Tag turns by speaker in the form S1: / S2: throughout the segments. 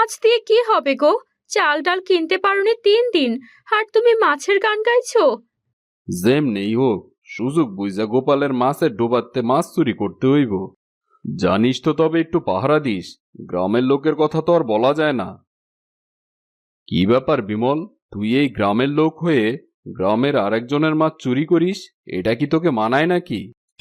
S1: মাছ দিয়ে কি হবে গো? চাল ডাল কিনতে পারোনি 3 দিন, আর তুমি মাছের গান গাইছো?
S2: যেমনেই হোক সুযোগ বুঝা গোপালের মাছের ডোবাতে মাছ চুরি করতে হইব। জানিস তো, তবে একটু পাহারা দিস, গ্রামের লোকের কথা তো আর বলা যায় না। কি ব্যাপার বিমল, তুই এই গ্রামের লোক হয়ে গ্রামের আরেকজনের মাছ চুরি করিস? এটা কি তোকে মানায় নাকি?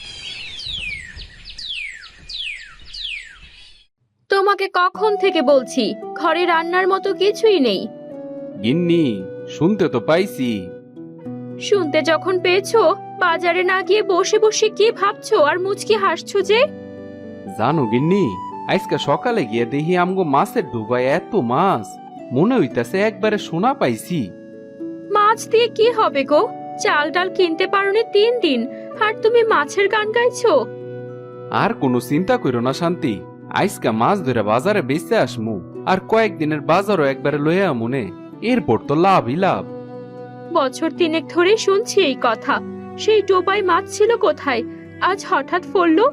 S1: তোমাকে কখন থেকে বলছি, ঘরে রান্নার মতো কিছুই নেই।
S2: গিন্নি, শুনতে তো পাইছি।
S1: শুনতে যখন পেয়েছো, বাজারে না গিয়ে বসে বসে কি ভাবছো আর মুচকি হাসছো যে?
S2: জানো গিন্নি, আজকে সকালে গিয়ে দেখি আমগো মাছের ডোবায় এত মাছ, মনে হইতাছে একবারে সোনা পাইছি।
S1: মাছ দিয়ে কি হবে গো? চাল ডাল কিনতে পারোনি 3 দিন, আর তুমি মাছের গান গাইছো?
S2: আর কোনো চিন্তা করো না শান্তি, আজকা মাছ ধরে বাজারে বেচতে আসমু, আর কয়েকদিনের বাজারও একবারে লইয়া মনে, এরপর তো লাভই লাভ।
S1: বছর 3 ধরে শুনছি এই কথা। সেই ডোবায় মাছ ছিল কোথায়, আজ হঠাৎ ফললো?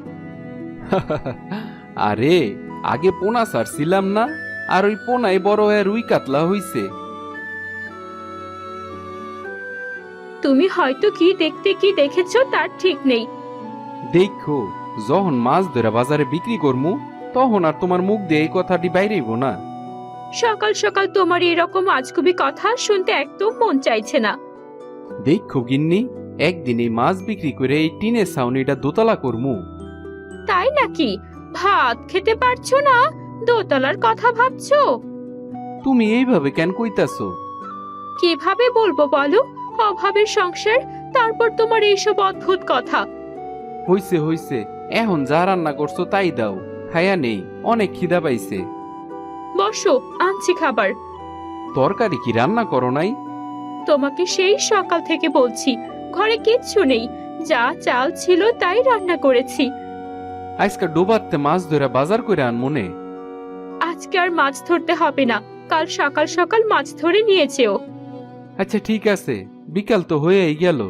S2: আরে, আগে পোনা ছাড়ছিলাম না, আর ওই পোনাই বড় হয়ে রুই কাতলা হইছে।
S1: তুমি হয়তো কি দেখতে কি দেখেছো তার ঠিক নেই।
S2: দেখো, যখন মাছ ধরে বাজারে বিক্রি করমু, তখন আর তোমার মুখ দিয়ে এই কথাটি বাইরেইব না।
S1: সকাল সকাল তোমার এরকম আজগুবি কথা শুনতে একদম মন চাইছে না।
S2: দেখো গিন্নি, একদিন এই মাছ বিক্রি করে এই টিনের ছাউনিটা দোতলা করমু।
S1: তাই নাকি? ভাত খেতে পারছো না, দোতলার কথা ভাবছো?
S2: তুমি এইভাবে কেন কইতাছো?
S1: কিভাবে বলবো বলো? অভাবের সংসার, তারপর তোমার এইসব অদ্ভুত কথা।
S2: হইছে হইছে, এখন যা রান্না করছো তাই দাও, খায়া নেই, অনেক খিদা পাইছে।
S1: বসো, আনছি খাবার।
S2: তরকারি কি রান্না করো নাই?
S1: তোমাকে সেই সকাল থেকে বলছি, ঘরে কিচ্ছু নেই, যা চাল ছিল তাই রান্না করেছি।
S2: আজকে ডোবাতে মাছ ধরে বাজার করে আন মনে।
S1: আজকে আর মাছ ধরতে হবে না, কাল সকাল সকাল মাছ ধরে নিয়েছেও।
S2: আচ্ছা ঠিক আছে, বিকাল তো হয়েই গেল।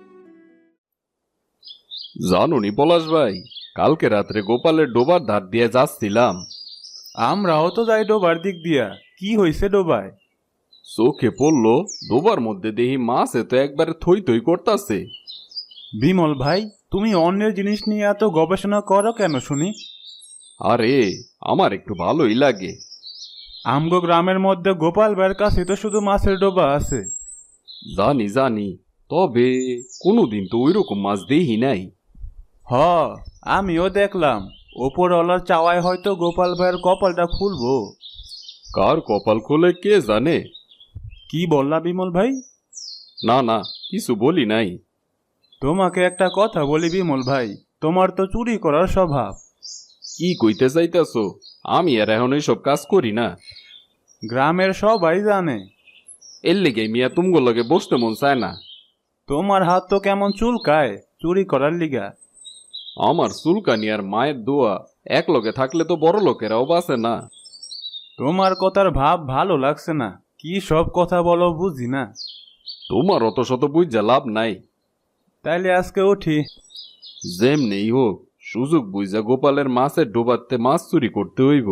S2: জানুনি পলাশ ভাই, কালকে রাত্রে গোপালের ডোবার ধার দিয়ে যাচ্ছিলাম।
S3: আমরাও তো যাই ডোবার দিক দিয়া। কি হইছে ডোবায়?
S2: চোখে পড়লো, ডোবার মধ্যে দেখি মাছ এত একবারে থই থই করতাছে।
S3: বিমল ভাই, তুমি অন্যের জিনিস নিয়ে এত গবেষণা করো কেন শুনি?
S2: আরে, আমার একটু ভালোই লাগে।
S3: আমগো গ্রামের মধ্যে গোপাল ভাইয়ের কাছে তো শুধু মাছের ডোবা আছে।
S2: জানি জানি, তবে কোনোদিন তো ওইরকম মাছ দেখি নাই।
S3: হ, আমিও দেখলাম। ওপরওয়ালার চাওয়ায় হয়তো গোপাল ভাইয়ের কপালটা খুলবো।
S2: কার কপাল খোলে কে জানে।
S3: কি বললা বিমল ভাই?
S2: না না, কিছু বলি নাই।
S3: তোমাকে একটা কথা বলি বিমল ভাই, তোমার তো চুরি করার স্বভাব।
S2: কি কইতে চাইতাছো? আমি আর এখন এইসব কাজ করি না।
S3: গ্রামের সবাই জানে।
S2: এর লেগে মিয়া তুমগো লগে বসতে মন চায় না।
S3: তোমার হাত তো কেমন চুলকায় চুরি করার লিগা।
S2: আমার চুলকানি আর মায়ের দোয়া এক লগে থাকলে তো বড় লোকেরাও বাঁচে না।
S3: তোমার কথার ভাব ভালো লাগছে না। কি সব কথা বলো বুঝি না।
S2: তোমার অত শত বুঝা লাভ নাই।
S3: তাইলে আজকে উঠি।
S2: যেমনেই হোক সুযোগ বুঝা গোপালের মাছের ডোবাতে মাছ চুরি করতে হইব।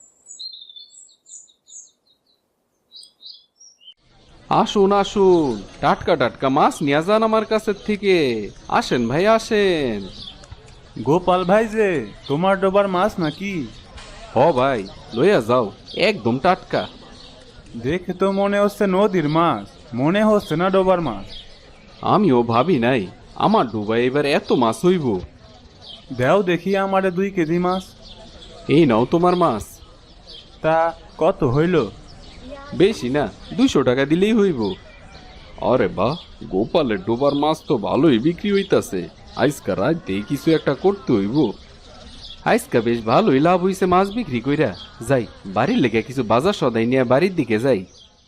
S2: আসুন আসুন, টাটকা টাটকা মাছ নিয়ে যান আমার কাছের থেকে। আসেন ভাই আসেন।
S3: গোপাল ভাই যে, তোমার ডোবার মাছ নাকি?
S2: হ ভাই, লইয়া যাও, একদম টাটকা।
S3: দেখে তো মনে হচ্ছে নদীর মাছ, মনে হচ্ছে না ডোবার মাছ।
S2: আমিও ভাবি নাই আমার ডোবায় এবার এত মাছ হইব।
S3: দেও দেখি আমারে 2 কেজি মাছ।
S2: এই নাও তোমার মাছ।
S3: তা কত হইল?
S2: বেশি না, 200 টাকা দিলেই হইব। আরে বাহ, গোপালের ডোবার মাছ তো ভালোই বিক্রি হইতাছে। আজকা রাতে কিছু একটা করতে হইব। আজকা বেশ ভালোই লাভ হইছে মাছ বিক্রি কইরা। যাই, বাড়ির লেগে কিছু বাজার সদাই নিয়ে বাড়ির দিকে যাই।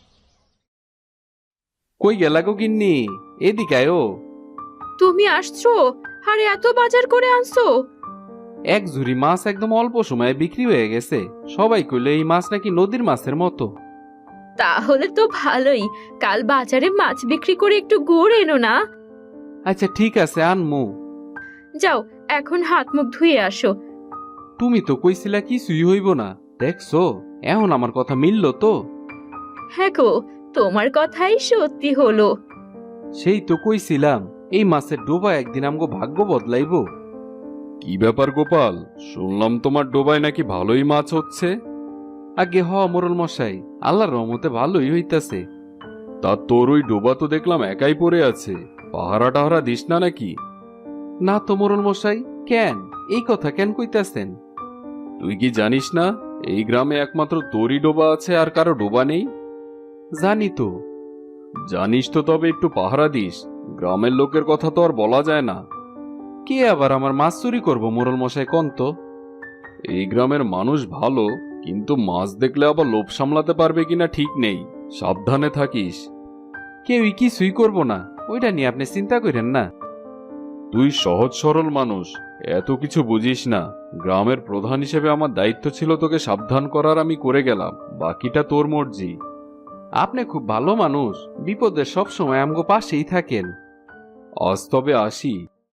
S2: কই গেলা গো গিন্নি, এদিকে আয়ো।
S1: তুমি আসছো? আরে এত বাজার করে আনছো?
S2: এক ঝুড়ি মাছ একদম অল্প সময়ে বিক্রি হয়ে গেছে। সবাই কইলো এই মাছ নাকি নদীর মাছের মতো।
S1: তাহলে তো ভালোই, কাল বাজারে মাছ বিক্রি করে একটু গুড় এনো না।
S2: আচ্ছা ঠিক আছে, আনমু।
S1: যাও, এখন হাত মুখ ধুয়ে আসো।
S2: তুমি তো কইছিলা কিছুই হইব না, দেখছো, এখন আমার কথা মিলল তো?
S1: হ্যাঁ গো, তোমার কথাই সত্যি হলো।
S2: সেই তো কইছিলাম, এই মাছের ডোবা একদিন আমগো ভাগ্য বদলাইব। কি ব্যাপার গোপাল, শুনলাম তোমার ডোবায় নাকি ভালোই মাছ হচ্ছে? আগে মোরল মশাই, আল্লাহর রহমতে ভালোই হইতাছে। তা তোর ওই ডোবা তো দেখলাম একাই পড়ে আছে, পাহারা টাহারা দিস না নাকি? না তো মোরল মশাই, কেন এই কথা কেন কইতাছেন? তুই কি জানিস না এই গ্রামে একমাত্র তোরই ডোবা আছে, আর কারো ডোবা নেই? জানি তো। জানিস তো, তবে একটু পাহারা দিস, গ্রামের লোকের কথা তো আর বলা যায় না। কে আবার আমার মাছ চুরি করবো মোরল মশাই, কোন তো? এই গ্রামের মানুষ ভালো, কিন্তু মাছ দেখলে আবার লোভ সামলাতে পারবে কিনা ঠিক নেই, সাবধানে থাকিস। কেউই কিছুই করবো না, ওইটা নিয়ে আপনি চিন্তা করেন না। তুই সহজ সরল মানুষ, এত কিছু বুঝিস না। গ্রামের প্রধান হিসেবে আমার দায়িত্ব ছিল তোকে সাবধান করার, আমি করে গেলাম, বাকিটা তোর মর্জি। আপনি খুব ভালো মানুষ, বিপদে সব সময় আমগো পাশেই থাকেন। আজ তবে আসি।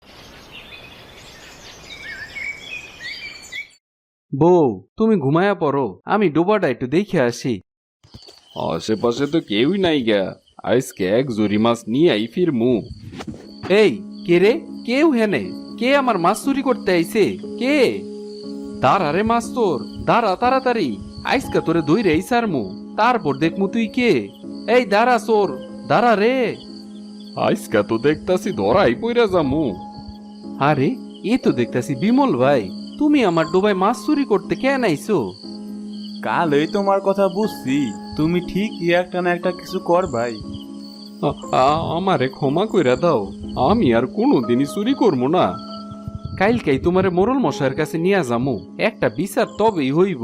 S2: বউ, তুমি ঘুমায়া পড়ো, আমি ডোবাটা একটু দেখে আসি। আশেপাশে তো কেউই নাই গা, আজকে এক জুরি মাছ নিয়ে আই ফিরমু। এই কে রে, কেউ হেনে, কে আমার মাছ চুরি করতে আইছে? কে? দাঁড়া রে মাছ, তোর দাঁড়া তাড়াতাড়ি, আইসকা তোরে দইরে আইসারমু, তারপর দেখমু তুই কে। এই দাঁড়া চোর, দাঁড়া রে। আইসকা তো দেখতাছি ধরাই পইরা যামু। আরে, এ তো দেখতাছি বিমল ভাই, তুমি আমার ডোবায় মাছ চুরি করতে কেন আইছো?
S3: কালই তোমার কথা বুঝছি, তুমি ঠিকই একটা না একটা কিছু কর ভাই।
S2: আমারে ক্ষমা কইরা দাও, আমি আর কোনোদিনই চুরি করবো না। কাইলকাই তোমারে মোরল মশাইয়ের কাছে নিয়ে যামু, একটা বিচার তবেই হইব।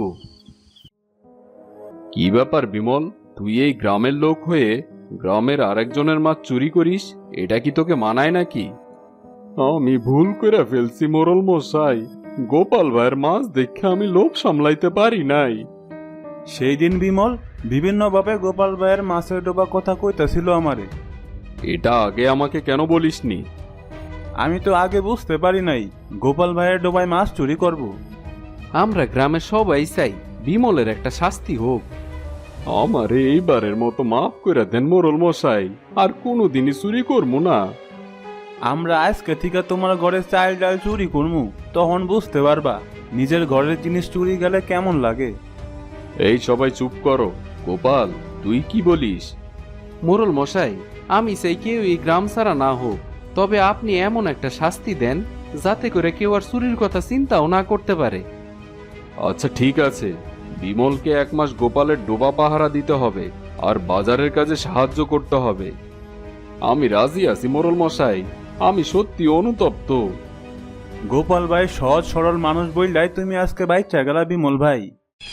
S2: কি ব্যাপার বিমল, তুই এই গ্রামের লোক হয়ে গ্রামের আরেকজনের মাছ চুরি করিস, এটা কি তোকে মানায় নাকি? আমি ভুল করে ফেলছি মোরল মশাই, গোপাল ভাইয়ের মাছ দেখে আমি লোভ সামলাইতে পারি নাই।
S3: সেই দিন বিমল বিভিন্নভাবে গোপাল ভাইয়ের মাছের ডোবা কথা কইতাছিল আমারে।
S2: এটা আগে আমাকে কেন বলিসনি?
S3: আমি তো আগে বুঝতে পারি নাই গোপাল ভাইয়ের ডোবায় মাছ চুরি করব।
S2: আমরা গ্রামে সবাই চাই বিমলের একটা শাস্তি হোক। আমারে এইবারের মতো মাফ করে দেন মোরল মশাই, আর কোনোদিনই চুরি করবো না।
S3: আমরা আজকে থেকে তোমার ঘরে চাল ডাল চুরি করমু, তখন বুঝতে পারবা নিজের ঘরের জিনিস চুরি গেলে কেমন লাগে।
S2: এই সবাই চুপ করো। গোপাল, তুই কি বলিস? মোরল মশাই, আমি চাই কেউ এই গ্রাম ছাড়া না হোক, তবে আপনি এমন একটা শাস্তি দেন যাতে করে কেউ আর চুরির কথা চিন্তাও না করতে পারে। আচ্ছা ঠিক আছে, বিমলকে 1 মাস গোপালের ডোবা পাহারা দিতে হবে, আর বাজারের কাজে সাহায্য করতে হবে। আমি রাজি আছি মোরল মশাই, আমি সত্যি অনুতপ্ত।
S3: গোপাল ভাই সহজ সরল মানুষ বললাই তুমি আজকে বাইচা গেলা বিমল ভাই।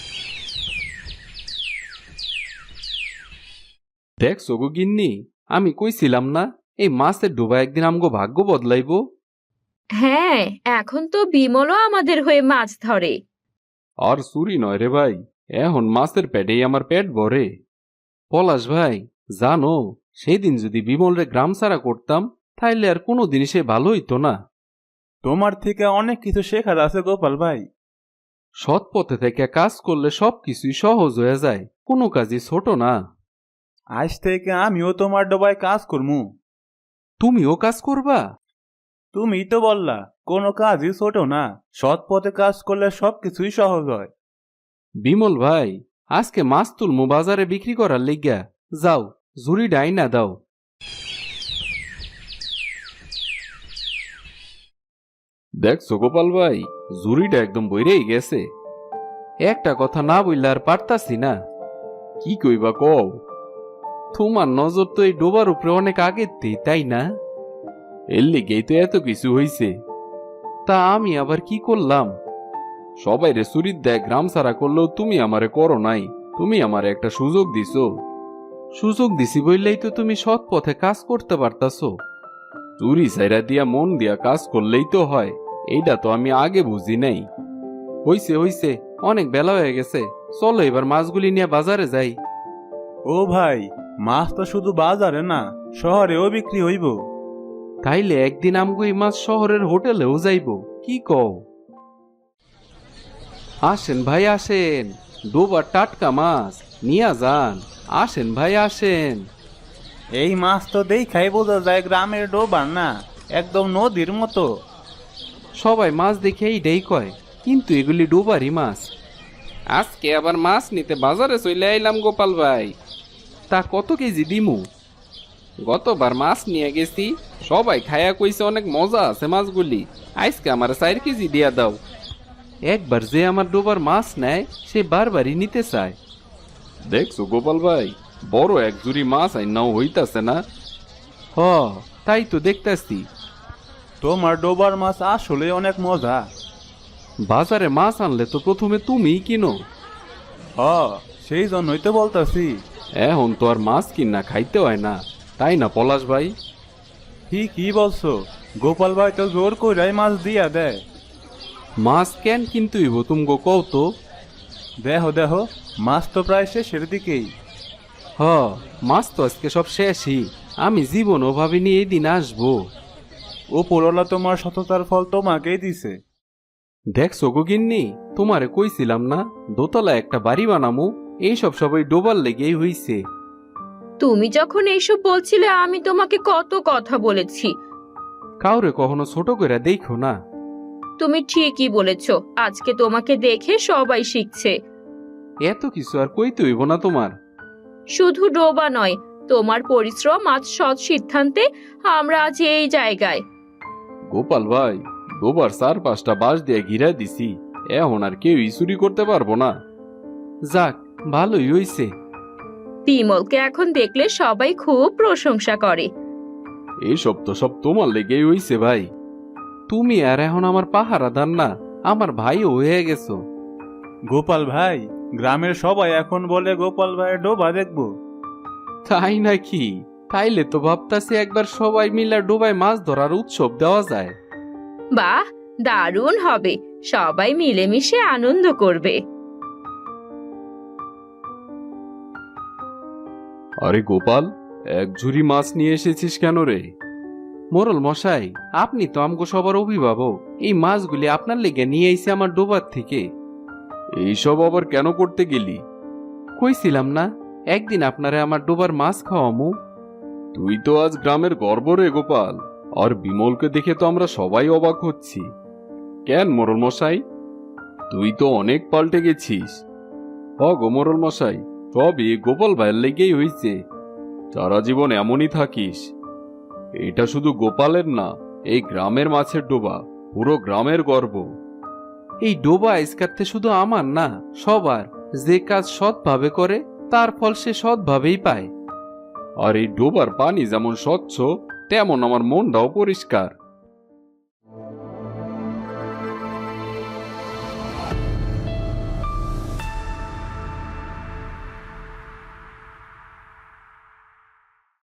S2: দেখছো গো গিন্নি, আমি কইছিলাম না এই মাছের ডোবা একদিন আমগো ভাগ্য বদলাইব।
S1: হ্যাঁ, এখন তো বিমলও আমাদের হয়ে মাছ ধরে।
S2: আর চুরি নয় রে ভাই, এখন মাছের পেটেই আমার পেট ভরে। পলাশ ভাই, জানো, সেদিন যদি বিমলরে গ্রাম ছাড়া করতাম, তাইলে আর কোনোদিন সে ভালো হইতো না।
S3: তোমার থেকে অনেক কিছু শেখার আছে গোপাল ভাই।
S2: সৎ পথে থেকে কাজ করলে সবকিছুই সহজ হয়ে যায়, কোনো কাজই ছোট না।
S3: আজ থেকে আমিও তোমার ডোবায় কাজ করমু।
S2: তুমিও কাজ করবা?
S3: তুমি তো বললা কোনো কাজই ছোট না, সৎ পথে কাজ করলে সবকিছুই সহজ হয়।
S2: বিমল ভাই, আজকে মাছ তুলমু বাজারে বিক্রি করার লিগা, যাও ঝুড়ি ডাইনা দাও। দেখছো গোপাল ভাই, ঝুড়িটা একদম বইরেই গেছে। একটা কথা না বললে আর পারতাছি না। কি কইবা কও? তোমার নজর তো এই ডোবার উপরে অনেক আগেতেই, তাই না? এর লিগেই তো এত কিছু হইছে। তা আমি আবার কি করলাম? সবাই রে চুরির দেয় গ্রাম ছাড়া করলেও তুমি আমারে করো নাই, তুমি আমারে একটা সুযোগ দিছো। সুযোগ দিছি বললেই তো তুমি সৎ পথে কাজ করতে পারতাছো। চুরি সাইরা দিয়া মন দিয়া কাজ করলেই তো হয়, এইটা তো আমি আগে বুঝি নাই। হইছে হইছে, অনেক বেলা হয়ে গেছে, চলো এবার মাছগুলি নিয়ে বাজারে যাই।
S3: ও ভাই, মাছ তো শুধু বাজারে না, শহরেও বিক্রি হইব।
S2: তাইলে একদিন আমগো এই মাছ শহরের হোটেলেও যাইব, কি কও? আসেন ভাই আসেন, ডোবার টাটকা মাছ নিয়া যান। আসেন ভাই আসেন।
S3: এই মাছ তো দেখাই বোঝা যায় গ্রামের ডোবার না, একদম নদীর মতো।
S2: সবাই মাছ দেখে এইটাই কয়, কিন্তু এগুলি ডোবারই মাছ। আজকে আবার মাছ নিতে বাজারে চলে আইলাম গোপাল ভাই। তা কত কেজি দিমু? গতবার মাছ নিয়ে গেছি, সবাই খায়া কইছে অনেক মজা আছে মাছগুলি। আজকে আমার 4 কেজি দিয়া দাও। একবার যে আমার ডোবার মাছ নেয় সে বারবারই নিতে চায়। দেখছো গোপাল ভাই, বড় এক জুড়ি মাছ আইনাও হইতাছে না। হ, তাই তো দেখতাছি।
S3: তোমার ডোবার মাছ আসলে অনেক মজা।
S2: বাজারে মাছ আনলে তো প্রথমে তুমিই কিনো।
S3: হ, সেই জন্যই তো বলতাছি।
S2: এখন তো আর মাছ কিনা খাইতে হয় না, তাই না পলাশ ভাই?
S3: কি বলছো? গোপাল ভাই তো জোর কইরাই মাছ দিয়া দেয়।
S2: মাছ কেন কিন্তু হইব তুমগো কও তো।
S3: দেহ মাছ তো প্রায় শেষের দিকেই।
S2: হ, মাছ তো আজকে সব শেষই। আমি জীবনও ভাবিনি এই দিন আসবো।
S3: ওপরওয়ালা তোমার সততার ফল তোমাকেই দিছে।
S2: দেখছো গো গিন্নি, তোমারে কইছিলাম না দোতলা একটা বাড়ি বানামু, এইসব সবাই ডোবার লেগেই হইছে।
S1: তুমি যখন এইসব বলছিলে আমি তোমাকে কত কথা বলেছি।
S2: কাউরে কখনো ছোট করে দেখো না।
S1: তুমি ঠিকই বলেছো, আজকে তোমাকে দেখে সবাই শিখছে।
S2: এত কিছু আর কইতে হইব না তোমার।
S1: শুধু ডোবা নয়, তোমার পরিশ্রম আজ সৎ সিদ্ধান্তে আমরা আজ এই জায়গায়।
S2: গোপাল ভাই, ডোবার 4-5টা বাঁশ দিয়ে ঘিরা দিছি, এখন আর কেউই চুরি করতে পারবো না। যাক, ভালোই হইছে।
S1: বিমলকে এখন দেখলে সবাই খুব প্রশংসা করে।
S2: এইসব তো সব তোমার লেগেই হইছে ভাই। তুমি আর এখন আমার পাহারাদার না, আমার ভাইও হয়ে গেছো।
S3: গোপাল ভাই, গ্রামের সবাই এখন বলে গোপাল ভাইয়ের ডোবা দেখবো।
S2: তাই নাকি? তাইলে তো ভাবতাছি একবার সবাই মিলে ডোবায় মাছ ধরার উৎসব দেওয়া যায়।
S1: বাহ, দারুণ হবে, সবাই মিলেমিশে আনন্দ করবে।
S2: আরে গোপাল, এক ঝুড়ি মাছ নিয়ে এসেছিস কেন রে? মোরল মশাই, আপনি তো আমগো সবার অভিভাবক, এই মাছগুলি আপনার লেগে নিয়ে আইছে আমার ডোবার থেকে। এইসব আবার কেন করতে গেলি? কইছিলাম না একদিন আপনারে আমার ডোবার মাছ খাওয়ামু। তুই তো আজ গ্রামের গর্ব রে গোপাল, আর বিমলকে দেখে তো আমরা সবাই অবাক হচ্ছি। কেন মোরল মশাই, তুই তো অনেক পাল্টে গেছিস। গো মোরল মশাই, সবই গোপাল ভাইয়ের লেগেই হইছে। সারা জীবন এমনই থাকিস। এটা শুধু গোপালের না, এই গ্রামের মাছের ডোবা পুরো গ্রামের গর্ব। এই ডোবা আজকাতে শুধু আমার না, সবার। যে কাজ সৎভাবে করে তার ফল সে সৎভাবেই পায়। আর এই ডোবার পানি যেমন স্বচ্ছ, তেমন আমার মনটাও পরিষ্কার।